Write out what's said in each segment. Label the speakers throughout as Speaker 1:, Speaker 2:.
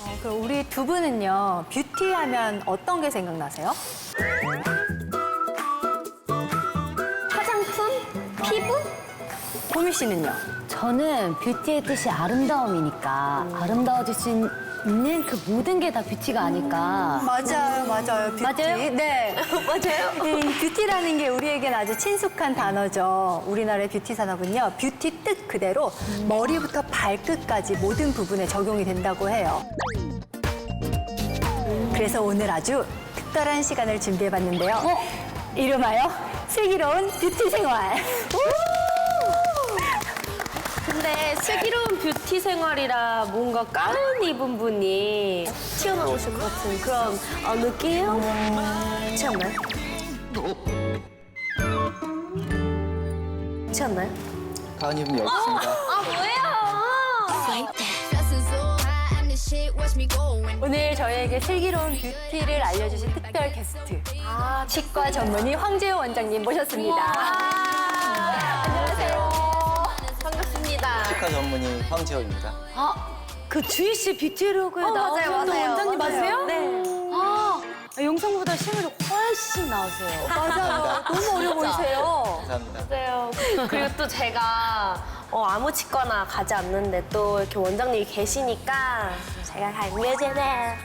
Speaker 1: 그럼 우리 두 분은요, 뷰티 하면 어떤 게 생각나세요? 화장품? 피부? 보미 씨는요?
Speaker 2: 저는 뷰티의 뜻이 아름다움이니까 아름다워질 수 있는 그 모든 게 다 뷰티가 아닐까.
Speaker 1: 맞아요. 뷰티.
Speaker 2: 맞아요?
Speaker 1: 네. 맞아요. 이 뷰티라는 게 우리에겐 아주 친숙한 단어죠. 우리나라의 뷰티 산업은요, 뷰티 뜻 그대로 머리부터 발끝까지 모든 부분에 적용이 된다고 해요. 그래서 오늘 아주 특별한 시간을 준비해봤는데요. 이름하여 슬기로운 뷰티 생활.
Speaker 3: 근데 슬기로운 뷰티 생활이라 뭔가 가운 입은 분이 튀어나오실 것 같은 그런 느낌? 그렇지 않나요? 그렇지 않나요?
Speaker 4: 가은 입은 여기 있습니다.
Speaker 3: 뭐예요?
Speaker 1: 오늘 저희에게 슬기로운 뷰티를 알려주신 특별 게스트 치과 전문의 황재호 원장님 모셨습니다. 안녕하세요.
Speaker 3: 반갑습니다.
Speaker 4: 치과 전문의 황재호입니다.
Speaker 2: 그 주희 씨 뷰티로그에 나오셨던 원장님 맞으세요?
Speaker 3: 네.
Speaker 2: 영상보다 실물이 훨씬 나으세요.
Speaker 1: 맞아요. 너무 어려 보이세요.
Speaker 4: 감사합니다.
Speaker 3: 맞아요. 그리고 또 제가 아무 치과나 가지 않는데 또 이렇게 원장님이 계시니까 제가 강매제네.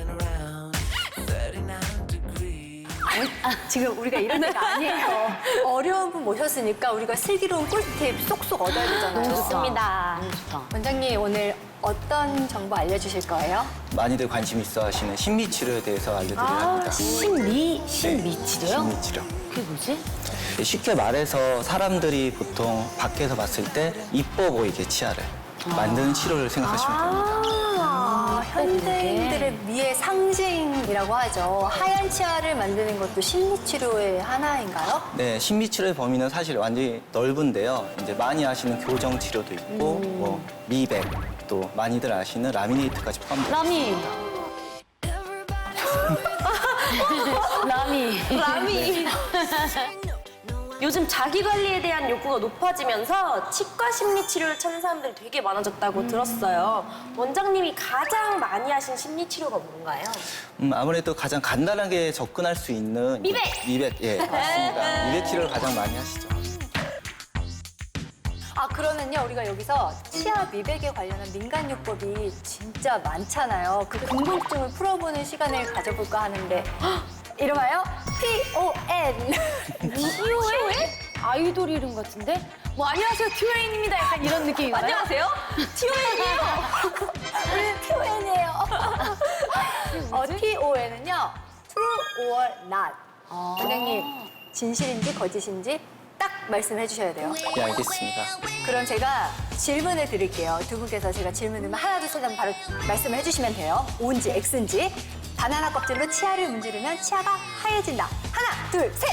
Speaker 1: 지금 우리가 이런 데가 아니에요. 어려운 분 모셨으니까 우리가 슬기로운 꿀팁 쏙쏙 얻어야 되잖아요.
Speaker 3: 좋습니다.
Speaker 1: 원장님 오늘 어떤 정보 알려주실 거예요?
Speaker 4: 많이들 관심 있어 하시는 신미 치료에 대해서 알려드리려 합니다.
Speaker 2: 신미
Speaker 4: 네,
Speaker 2: 치료요?
Speaker 4: 신미 치료.
Speaker 2: 그게 뭐지?
Speaker 4: 쉽게 말해서 사람들이 보통 밖에서 봤을 때 이뻐 보이게 치아를 만드는 치료를 생각하시면 됩니다.
Speaker 1: 현대인들의 미의 상징이라고 하죠. 하얀 치아를 만드는 것도 심리치료의 하나인가요?
Speaker 4: 네, 신미 치료의 범위는 사실 완전히 넓은데요. 이제 많이 아시는 교정 치료도 있고, 뭐 미백, 또 많이들 아시는 라미네이트까지 포함됩니다.
Speaker 2: 라미.
Speaker 3: 요즘 자기 관리에 대한 욕구가 높아지면서 치과 심리 치료를 찾는 사람들이 되게 많아졌다고 들었어요. 원장님이 가장 많이 하신 심리 치료가 뭔가요?
Speaker 4: 아무래도 가장 간단하게 접근할 수 있는
Speaker 3: 미백!
Speaker 4: 미백, 예, 맞습니다. 미백 치료를 가장 많이 하시죠.
Speaker 1: 그러면요, 우리가 여기서 치아 미백에 관련한 민간요법이 진짜 많잖아요. 그 궁금증을 풀어보는 시간을 가져볼까 하는데, 이름하여 TON.
Speaker 2: TON? 아이돌 이름 같은데? 뭐 안녕하세요 TON입니다. 약간 이런 느낌인가요?
Speaker 3: 안녕하세요.
Speaker 1: 우리는 TON이에요. TON은요, true or not. 원장님, 진실인지 거짓인지 딱 말씀해 주셔야 돼요.
Speaker 4: 예, 알겠습니다.
Speaker 1: 그럼 제가 질문을 드릴게요. 두 분께서 제가 질문을 하나, 둘, 셋 하면 바로 말씀을 해주시면 돼요. O인지 X인지. 바나나 껍질로 치아를 문지르면 치아가 하얘진다. 하나, 둘, 셋!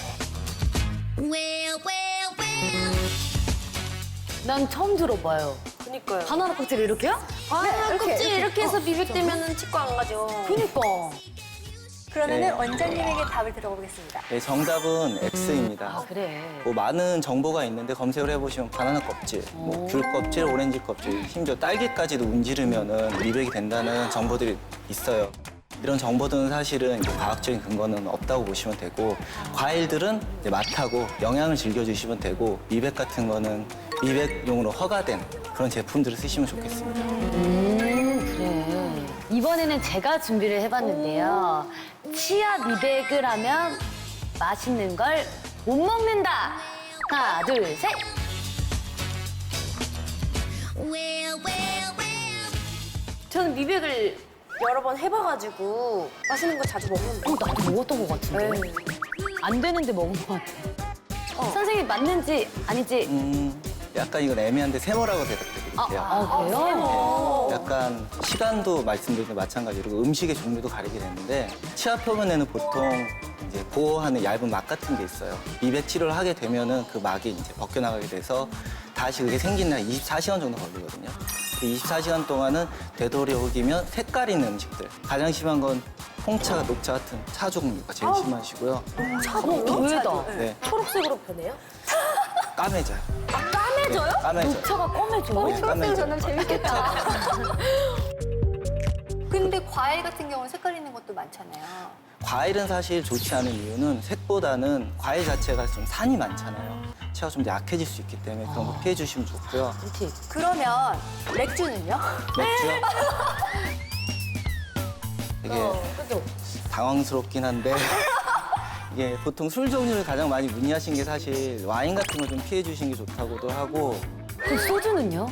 Speaker 2: 난 처음 들어봐요.
Speaker 3: 그니까요.
Speaker 2: 바나나 껍질 이렇게요?
Speaker 3: 바나나
Speaker 1: 이렇게,
Speaker 3: 껍질
Speaker 1: 이렇게.
Speaker 3: 이렇게 해서 미백되면 치과 안 가죠.
Speaker 2: 그니까.
Speaker 1: 그러면은
Speaker 4: 네.
Speaker 1: 원장님에게 답을 들어보겠습니다.
Speaker 4: 네, 정답은 X입니다.
Speaker 2: 그래.
Speaker 4: 뭐 많은 정보가 있는데 검색을 해보시면 바나나 껍질, 뭐 귤 껍질, 오렌지 껍질, 심지어 딸기까지도 문지르면은 미백이 된다는 정보들이 있어요. 이런 정보들은 사실은 이제 과학적인 근거는 없다고 보시면 되고, 과일들은 이제 맛하고 영양을 즐겨주시면 되고, 미백 같은 거는 미백용으로 허가된 그런 제품들을 쓰시면 좋겠습니다.
Speaker 2: 그래. 이번에는 제가 준비를 해봤는데요. 치아 미백을 하면 맛있는 걸 못 먹는다. 하나, 둘, 셋.
Speaker 3: 저는 미백을 여러 번 해봐가지고 맛있는 거 자주 먹는데.
Speaker 2: 나도 먹었던 것 같은데. 안 되는데 먹은 것 같아. 선생님 맞는지 아닌지.
Speaker 4: 약간 이건 애매한데 세모라고 대답드릴게요.
Speaker 2: 그래요?
Speaker 4: 약간 시간도 말씀드린 게 마찬가지로 음식의 종류도 가리게 되는데, 치아 표면에는 보통 이제 보호하는 얇은 막 같은 게 있어요. 미백 치료를 하게 되면은 그 막이 이제 벗겨나가게 돼서 다시 그게 생기는 한 24시간 정도 걸리거든요. 그 24시간 동안은 되도록이면 색깔 있는 음식들. 가장 심한 건 홍차, 녹차 같은 차 종류가 제일 심하시고요.
Speaker 2: 의외다.
Speaker 4: 네,
Speaker 3: 초록색으로 변해요?
Speaker 4: 까매져요.
Speaker 3: 까매져요?
Speaker 4: 네, 까매져.
Speaker 2: 차가 검해져.
Speaker 4: 네, 까매져.
Speaker 1: 저는 재밌겠다. 근데 과일 같은 경우는 색깔 있는 것도 많잖아요.
Speaker 4: 과일은 사실 좋지 않은 이유는 색보다는 과일 자체가 좀 산이 많잖아요. 치아가 좀 더 약해질 수 있기 때문에 그런 거 피해 주시면 좋고요.
Speaker 2: 꿀팁.
Speaker 1: 그러면 맥주는요?
Speaker 4: 맥주요? 되게
Speaker 3: 그죠?
Speaker 4: 당황스럽긴 한데 이게 보통 술 종류를 가장 많이 문의하신 게 사실 와인 같은 거 좀 피해 주시는 게 좋다고도 하고
Speaker 2: 그럼 소주는요?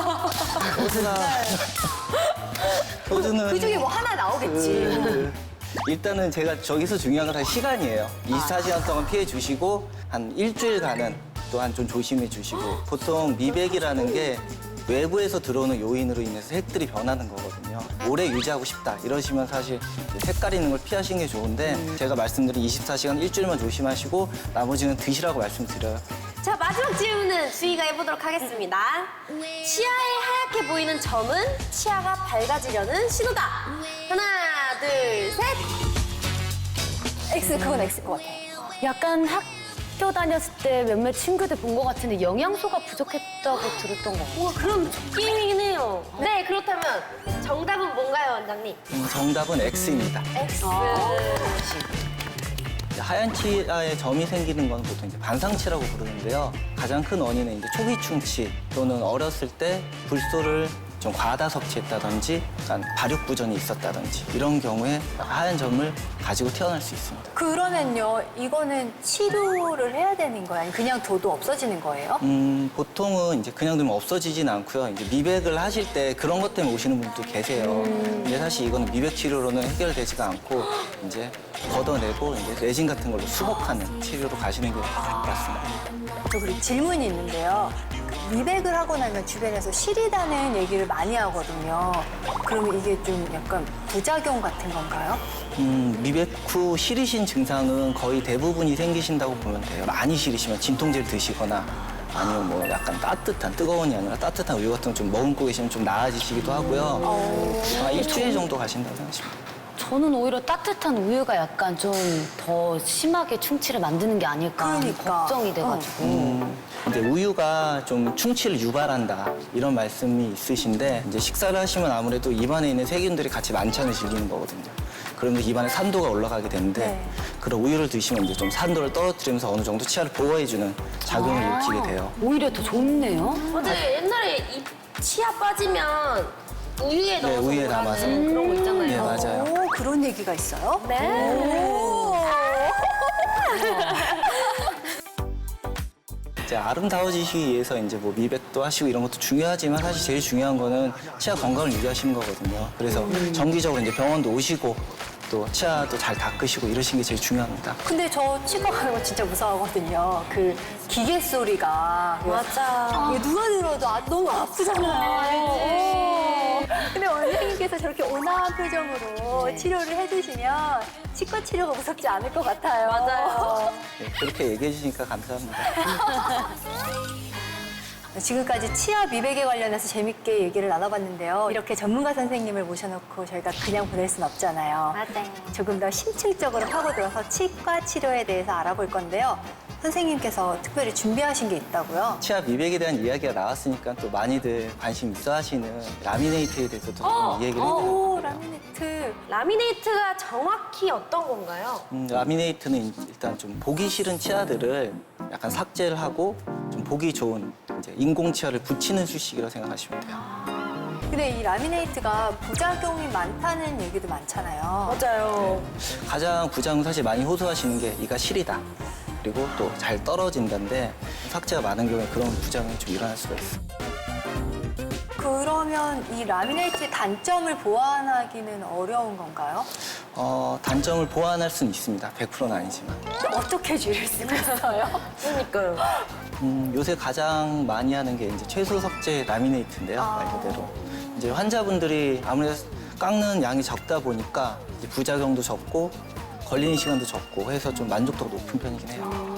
Speaker 4: 소주는
Speaker 1: 그 중에 뭐 하나 나오겠지.
Speaker 4: 일단은 제가 저기서 중요한 건 사실 시간이에요. 24시간 동안 피해 주시고 한 일주일간은 또한 좀 조심해 주시고 보통 미백이라는 게 외부에서 들어오는 요인으로 인해서 색들이 변하는 거거든요. 오래 유지하고 싶다 이러시면 사실 색깔 있는 걸 피하시는 게 좋은데 제가 말씀드린 24시간 일주일만 조심하시고 나머지는 드시라고 말씀드려요.
Speaker 3: 자, 마지막 질문은 주희가 해보도록 하겠습니다. 치아에 하얗게 보이는 점은 치아가 밝아지려는 신호다. 하나, 둘, 셋.
Speaker 1: X, 그건 X일 것 같아요.
Speaker 2: 약간 학교 다녔을 때 몇몇 친구들 본 것 같은데 영양소가 부족했다고 들었던 것 같아요.
Speaker 3: 뭔가 그런 느낌이긴 해요. 네, 그렇다면 정답은 뭔가요, 원장님?
Speaker 4: 정답은 X입니다.
Speaker 3: X.
Speaker 4: 이제 하얀 치아에 점이 생기는 건 보통 이제 반상치라고 부르는데요. 가장 큰 원인은 이제 초기 충치 또는 어렸을 때 불소를 좀 과다 섭취했다든지 약간 발육 부전이 있었다든지 이런 경우에 하얀 점을 가지고 태어날 수 있습니다.
Speaker 1: 그러면요, 이거는 치료를 해야 되는 거예요? 아니면 그냥 둬도 없어지는 거예요?
Speaker 4: 보통은 이제 그냥 두면 없어지진 않고요. 이제 미백을 하실 때 그런 것 때문에 오시는 분도 계세요. 근데 사실 이거는 미백 치료로는 해결되지가 않고 이제 걷어내고 이제 레진 같은 걸로 수복하는 치료로 가시는 게 맞습니다.
Speaker 1: 저 그리고 질문이 있는데요. 미백을 하고 나면 주변에서 시리다는 얘기를 많이 하거든요. 그러면 이게 좀 약간 부작용 같은 건가요?
Speaker 4: 미백 후 시리신 증상은 거의 대부분이 생기신다고 보면 돼요. 많이 시리시면 진통제를 드시거나 아니면 뭐 약간 따뜻한, 뜨거운이 아니라 따뜻한 우유 같은 거 좀 머금고 계시면 좀 나아지시기도 하고요. 아마 일주일 정도 가신다고 생각하시면 돼요.
Speaker 2: 저는 오히려 따뜻한 우유가 약간 좀 더 심하게 충치를 만드는 게 아닐까 하는
Speaker 1: 그러니까.
Speaker 2: 걱정이 돼가지고.
Speaker 4: 이제 우유가 좀 충치를 유발한다 이런 말씀이 있으신데 이제 식사를 하시면 아무래도 입안에 있는 세균들이 같이 만찬을 즐기는 거거든요. 그러면 입안에 산도가 올라가게 되는데
Speaker 1: 네.
Speaker 4: 그런 우유를 드시면 이제 좀 산도를 떨어뜨리면서 어느 정도 치아를 보호해주는 작용을 일으키게 돼요.
Speaker 2: 오히려 더 좋네요.
Speaker 3: 맞아요. 옛날에 이 치아 빠지면 우유에
Speaker 4: 네,
Speaker 3: 넣어서
Speaker 4: 우유에
Speaker 3: 먹으라는
Speaker 4: 담아서.
Speaker 3: 그런 거 있잖아요.
Speaker 4: 네, 맞아요.
Speaker 1: 오, 그런 얘기가 있어요?
Speaker 3: 네.
Speaker 4: 이제 아름다워지시기 위해서 이제 뭐 미백도 하시고 이런 것도 중요하지만 사실 제일 중요한 거는 치아 건강을 유지하시는 거거든요. 그래서 정기적으로 이제 병원도 오시고 또 치아도 잘 닦으시고 이러시는 게 제일 중요합니다.
Speaker 1: 근데 저 치과 가는 거 진짜 무서워하거든요. 그 기계 소리가.
Speaker 3: 맞아.
Speaker 1: 이게 누가 들어도 너무 아프잖아요. 근데 원장님께서 저렇게 온화한 표정으로 치료를 해주시면 치과 치료가 무섭지 않을 것 같아요.
Speaker 3: 맞아요.
Speaker 4: 네, 그렇게 얘기해 주시니까 감사합니다.
Speaker 1: 지금까지 치아 미백에 관련해서 재밌게 얘기를 나눠봤는데요. 이렇게 전문가 선생님을 모셔놓고 저희가 그냥 보낼 순 없잖아요.
Speaker 3: 맞아요.
Speaker 1: 조금 더 심층적으로 파고들어서 치과 치료에 대해서 알아볼 건데요. 선생님께서 특별히 준비하신 게 있다고요?
Speaker 4: 치아 미백에 대한 이야기가 나왔으니까 또 많이들 관심 있어 하시는 라미네이트에 대해서도 좀 얘기를 해드려요.
Speaker 1: 오, 라미네이트.
Speaker 3: 라미네이트가 정확히 어떤 건가요?
Speaker 4: 라미네이트는 일단 좀 보기 싫은 치아들을 약간 삭제를 하고 좀 보기 좋은 이제 인공 치아를 붙이는 수식이라고 생각하시면 돼요.
Speaker 1: 근데 이 라미네이트가 부작용이 많다는 얘기도 많잖아요.
Speaker 3: 맞아요.
Speaker 4: 가장 부작용 사실 많이 호소하시는 게 이가 시리다. 그리고 또 잘 떨어진다는데 삭제가 많은 경우에 그런 부작용이 좀 일어날 수가 있어요.
Speaker 1: 그러면 이 라미네이트의 단점을 보완하기는 어려운 건가요?
Speaker 4: 단점을 보완할 수는 있습니다. 100%는 아니지만.
Speaker 1: 어떻게 줄일 수가 있어요?
Speaker 3: 그러니까요.
Speaker 4: 요새 가장 많이 하는 게 이제 최소 섭제 라미네이트인데요. 말 그대로. 이제 환자분들이 아무래도 깎는 양이 적다 보니까 이제 부작용도 적고 걸리는 시간도 적고 해서 좀 만족도가 높은 편이긴 해요.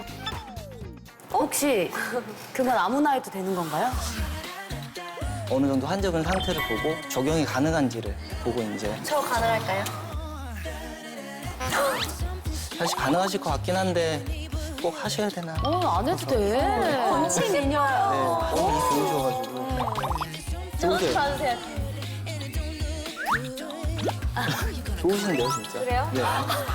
Speaker 2: 혹시 그건 아무나 해도 되는 건가요?
Speaker 4: 어느 정도 환자분 상태를 보고 적용이 가능한지를 보고 이제
Speaker 3: 저 가능할까요?
Speaker 4: 사실 가능하실 것 같긴 한데 꼭 하셔야 되나?
Speaker 2: 안 해도 돼.
Speaker 1: 건치 미녀요.
Speaker 4: 네, 너무 좋으셔가지고. 좋으세요.
Speaker 3: 봐주세요.
Speaker 4: 좋으신데요, 진짜.
Speaker 3: 그래요?
Speaker 4: 네.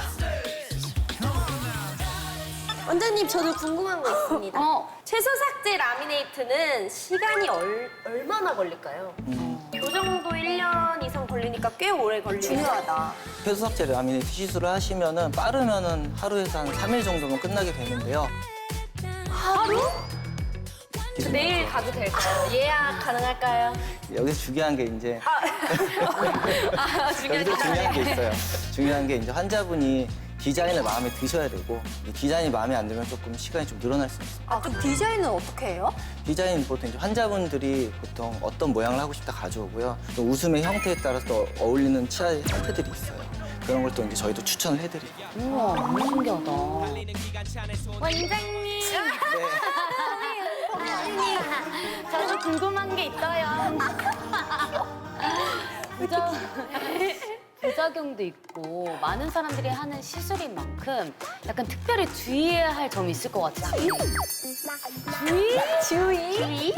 Speaker 3: 원장님, 저도 궁금한 거 있습니다. 최소 삭제 라미네이트는 시간이 얼마나 걸릴까요? 요 정도 1년 이상 걸리니까 꽤 오래 걸리네요.
Speaker 1: 중요하다.
Speaker 4: 폐수 삭제 라미네이트 시술을 하시면은 빠르면은 하루에서 한 3일 정도면 끝나게 되는데요.
Speaker 3: 하루? 저 내일 가도 될까요? 예약 가능할까요?
Speaker 4: 여기서 중요한 게 이제
Speaker 3: 중요한
Speaker 4: 여기서 중요한 게 있어요. 중요한 게 이제 환자분이 디자인을 마음에 드셔야 되고 이 디자인이 마음에 안 들면 조금 시간이 좀 늘어날 수 있어요.
Speaker 1: 아, 그럼 디자인은 어떻게 해요?
Speaker 4: 디자인 보통 이제 환자분들이 보통 어떤 모양을 하고 싶다 가져오고요. 또 웃음의 형태에 따라서 또 어울리는 치아 형태들이 있어요. 그런 걸 또 이제 저희도 추천을 해드리고.
Speaker 2: 우와, 너무 신기하다.
Speaker 3: 원장님!
Speaker 2: 저도 궁금한 게 있어요. 부작용도 있고 많은 사람들이 하는 시술인 만큼 약간 특별히 주의해야 할 점이 있을 것 같아요. 주의?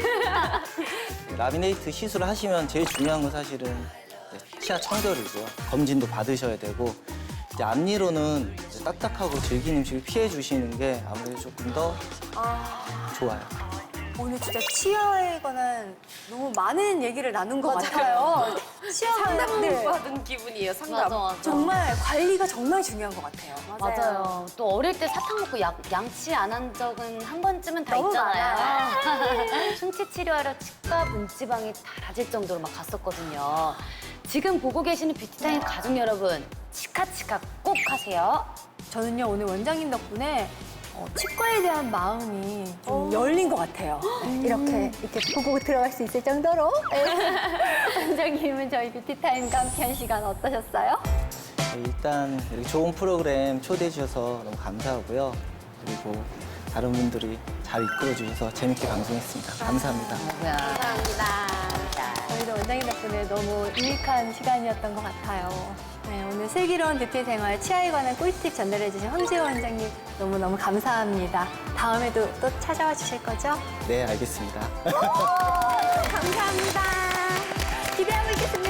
Speaker 4: 라미네이트 시술을 하시면 제일 중요한 건 사실은 이제 치아 청결이고요. 검진도 받으셔야 되고 이제 앞니로는 이제 딱딱하고 질긴 음식을 피해 주시는 게 아무래도 조금 더 좋아요.
Speaker 1: 오늘 진짜 치아에 관한 너무 많은 얘기를 나눈 것 같아요. 치아가
Speaker 3: 상담
Speaker 1: 네,
Speaker 3: 받은 기분이에요, 상담.
Speaker 2: 맞아, 맞아.
Speaker 1: 정말 관리가 정말 중요한 것 같아요.
Speaker 2: 맞아요. 또 어릴 때 사탕 먹고 양치 안 한 적은 한 번쯤은 다
Speaker 1: 너무
Speaker 2: 있잖아요. 충치 치료하러 치과 문지방이 닳아질 정도로 막 갔었거든요. 지금 보고 계시는 뷰티타임 가족 여러분, 치카치카 꼭 하세요.
Speaker 1: 저는요, 오늘 원장님 덕분에 치과에 대한 마음이 좀 열린 것 같아요. 이렇게 보고 들어갈 수 있을 정도로. 원장님은 저희 뷰티타임과 함께한 시간 어떠셨어요?
Speaker 4: 네, 일단 이렇게 좋은 프로그램 초대해 주셔서 너무 감사하고요. 그리고 다른 분들이 잘 이끌어 주셔서 재밌게 방송했습니다. 감사합니다.
Speaker 1: 저희도 원장님 덕분에 너무 유익한 시간이었던 것 같아요. 네, 오늘 슬기로운 뷰티 생활 치아에 관한 꿀팁 전달해주신 황지호 원장님 너무너무 감사합니다. 다음에도 또 찾아와 주실 거죠?
Speaker 4: 네, 알겠습니다.
Speaker 1: 감사합니다. 기대하고 있겠습니다.